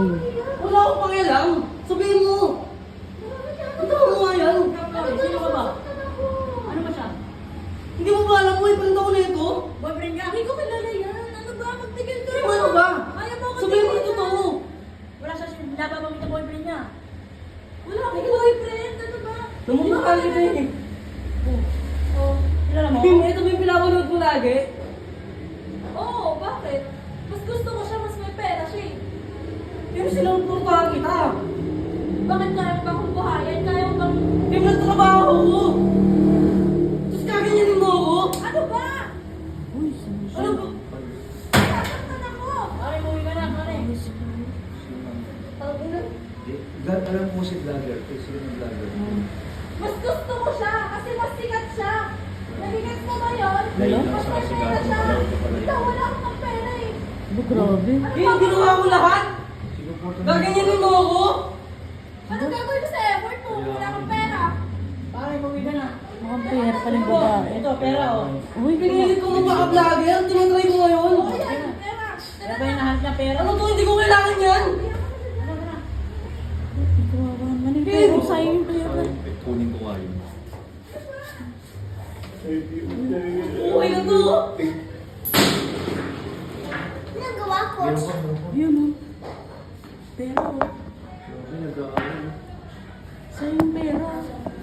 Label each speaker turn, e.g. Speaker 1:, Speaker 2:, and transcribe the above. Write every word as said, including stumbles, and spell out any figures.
Speaker 1: Hmm.
Speaker 2: Wala akong pakialam. Sabihin mo. Ito mo nga yan.
Speaker 3: Sino ka ba? Ano ba siya?
Speaker 2: Hindi mo ba alam mo, ipanda ko na ito?
Speaker 3: Boyfriend niya? Hindi ko kilala yan. Ano ba? Magtigil ka
Speaker 2: Ano ano ba?
Speaker 3: Ayaw mo ako
Speaker 2: Sabihin mo
Speaker 3: tigil
Speaker 2: ito
Speaker 3: na.
Speaker 2: totoo.
Speaker 3: Wala siya sinababamit na boyfriend niya. Wala akong boyfriend. Ano ba?
Speaker 2: Namumukhaan kita eh.
Speaker 3: Oh, kilala mo?
Speaker 2: Hindi, ito ba yung pinapanood mo lagi?
Speaker 3: Oo, bakit? Mas gusto ko siya, mas may pera siya eh.
Speaker 2: Pero silang turupahan kita.
Speaker 3: Bakit kaya mo bang buhayan? Kaya mo bang...
Speaker 2: Hindi mo trabaho ko. Tapos kaganyanin mo ako.
Speaker 3: Ano ba?
Speaker 1: Uy,
Speaker 2: Ano ba?
Speaker 3: Sasaktan ako! Pare, umuwi ka na, pare.
Speaker 4: Vlog, alam mo si vlogger, kasi sino yung vlogger?
Speaker 3: Mas gusto ko siya kasi mas sikat siya. Nagigets mo ba yun?
Speaker 4: Dahil lang
Speaker 3: Mas
Speaker 4: sa
Speaker 3: may pera
Speaker 4: kasigahan,
Speaker 3: siya.
Speaker 4: wala ko pala yun.
Speaker 3: Ikaw, wala akong pera eh.
Speaker 1: Ano, grabe.
Speaker 2: Eh, ginawa mo lahat.
Speaker 4: Sinuporta mo.
Speaker 2: Gaganyanin mo ako.
Speaker 3: Ano gagawin ko sa effort mo? Wala akong pera. Pare, umuwi ka na.
Speaker 1: Mukhang pera pa ng babae.
Speaker 2: Ito, pera oh.
Speaker 1: Uy,
Speaker 2: Pinilit ko magpaka-vlogger. Tinatry mo ngayon.
Speaker 3: Oo, yan, pera.
Speaker 2: Kaya ba yung nahanap na pera? Ano to? Hindi ko kailangan yan.
Speaker 1: kawawa naman yung pera. Sayang yung pera.
Speaker 4: Kunin ko nga yun.
Speaker 2: Okay na to.
Speaker 3: Ginagawa ko.
Speaker 4: Meron pa, meron pa.
Speaker 1: Yun, oh. Pera, oh.
Speaker 4: Grabe, nag-aaral.
Speaker 1: Sayang yung pera.